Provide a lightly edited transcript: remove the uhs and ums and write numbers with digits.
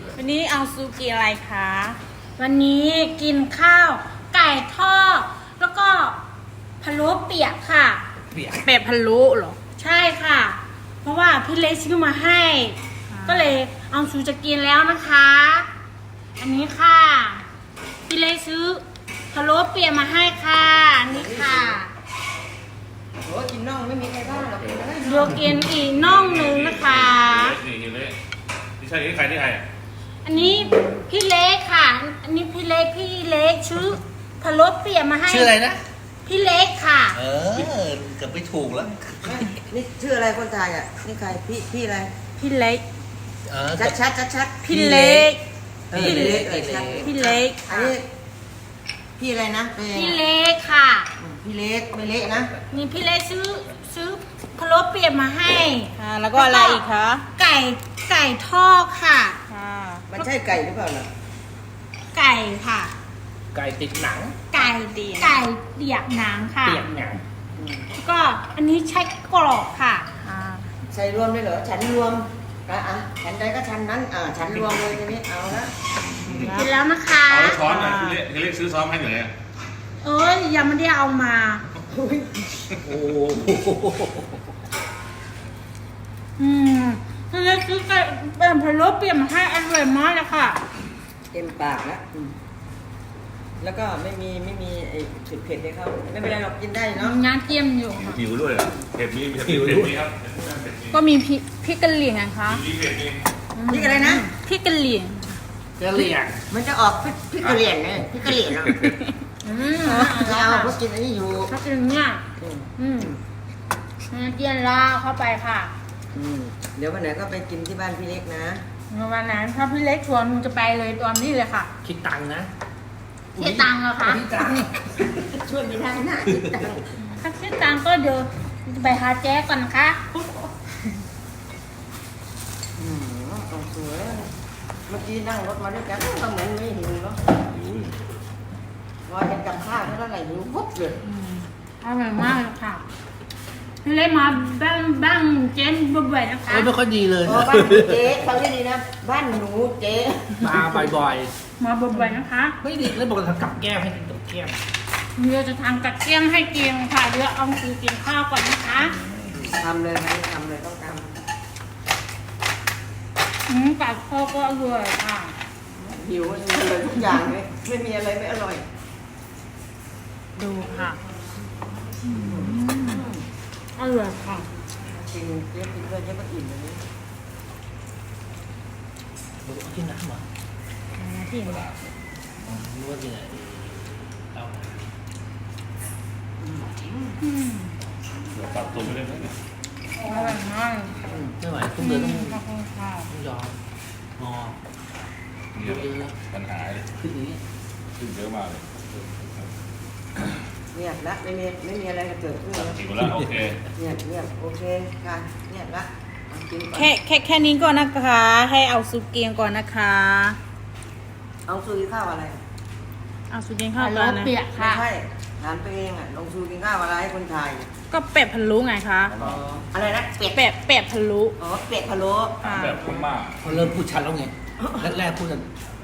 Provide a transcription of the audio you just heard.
วันนี้เอาซูกิอะไรคะ วันนี้กินข้าวไก่ทอดแล้วก็พะโล้เปียกค่ะเป็ดพะโล้เหรอใช่ค่ะ เพราะว่าพี่เล็กซื้อมาให้ ก็เลยเอาซูจะกินแล้วนะคะ อันนี้ค่ะพี่เล็กซื้อพะโล้เปียกมาให้ค่ะอันนี้ค่ะโอ้กินน่องไม่มีใครบ้างหรอกกินได้โยกินอีกน่องหนึ่งนะคะนี่เละนี่ใช่ใครที่ใครอันนี้พี่เล็กค่ะ อันนี้พี่เล็กชื่อพะโล้เปียกมาให้ชื่ออะไรนะพี่เล็กค่ะเออเกือบไม่ถูกแล้วนี่ชื่ออะไรคนไทยอ่ะนี่ใครพี่อะไรพี่เล็กเออชัดพี่เล็กพี่เล็กชัดพี่เล็กอันนี้พี่อะไรนะเป็นพี่เล็กค่ะพี่เล็กไม่เละนะนี่พี่เล็กซื้อพะโล้เปียกมาให้แล้วก็อะไรอีกคะไก่ทอดค่ะค่ะมันใช่ไก่หรือเปล่าล่ะไก่ค่ะไก่ติดหนังไก่เปียกหนังค่ะเปียกหนังแล้วก็อันนี้ใช้กรอบค่ะใส่รวมเลยเหรอฉันรวมฉันใดก็ฉันนั้นฉันรวมเลยทีนี้เอาละกินแล้วนะคะเอาช้อนหน่อยที่เล็กซื้อซ้อมให้หน่อยเอ้ยยังไม่ได้เอามาโอ้โหพี่เล็กซื้อไก่แบบพะโล้เปียกมาให้อร่อยมากเลยค่ะเต็มปากแล้วแล้วก็ไม่มีไอ้เผ็ดๆให้เขาไม่เป็นไรหรอกกินได้เนาะงานเตรียมอยู่ค่ะหิวด้วยเผ็ดมีครับก็มีพริกกะเหรี่ยงไงคะมีเผ็ดมีนี่อะไรนะพริกกะเหรี่ยงกะเหรี่ยงมันจะออกพริกกะเหรี่ยงไงพริกกะเหรี่ยงเนาะไม่เอาเพราะกินอันนี้อยู่ถ้าเป็นเนี่ยเตียนลาเข้าไปค่ะเดี๋ยววันไหนก็ไปกินที่บ้านพี่เล็กนะวันนั้นถ้าพี่เล็กชวนจะไปเลยตอนนี้เลยค่ะคิดตังค์นะเสียตังค์เหรอคะคิดตังค์ช่วยไม่ได้นะคิดตังค์ถ้าเสียตังค์ก็เดี๋ยวจะไปหาแจ๊กก่อนนะคะต้องสวยเมื่อกี้นั่งรถมาด้วยกันก็เหมือนไม่หิวเนาะรอจะกับข้าวเท่าไหร่หิวปุ๊บเลยอร่อยมากเลยค่ะพี่เล็กมาบ้างเจ๊บ่อยๆนะคะเออไม่ค่อยดีเลยโอ้บ้านเจ๊ฟังดีๆนะบ้านหนูเจ๊มาบ่อยมาบ่อยๆนะคะๆไม่ดีแล้วบอกจะทำกับแก้มให้กินกับแก้มเดี๋ยวจะทำกัดเกี้ยงให้กินค่ะเดี๋ยวเอาคือกินข้าวก่อนนะคะทำเลยไหมทำเลยต้องทกัดข้าวก็อร่อยค่ะำหิวมันเลยทุกอย่างเลยไม่มีอะไรไม่อร่อยดูค่ะอร่อยค่ะกินเจ๊กินด้วยเจ๊ก็อิ่มเลยนี่กินน้ำเหรอที่ไหนรู้ว่ากินอะไรเอาเดี๋ยวปรับตัวไม่ได้ไหมอร่อยมากไม่ไหวต้องเดินต้องขอบคุณค่ะยอมงอเนี่ยปัญหาเลยขึ้นอย่างนี้ขึ้นเยอะมากเลยเงียบละไม่มีอะไรเกิดขึ้นแล้วหิวแล้วโอเคเงียบโอเคค่ะเงียบละเอากินก่อนแค่นี้ก่อนนะคะ ให้เอาซุปเกียงก่อนนะคะเอาซูกินข้าวอะไรเอาซุปเกียงข้าวฮัลโหลก่อนนะเปียกไม่ค่ะใช่ถามตัวเองอ่ะลงซูกินข้าวอะไรให้คนไทยก็เป็ดพะโล้ไงคะอะไรนะเป็ดเป็ดพะโล้อ๋อเป็ดพะโล้ค่ะแบบพม่าเขาเริ่มพูดชัดแล้วไงแรกๆพูดกัน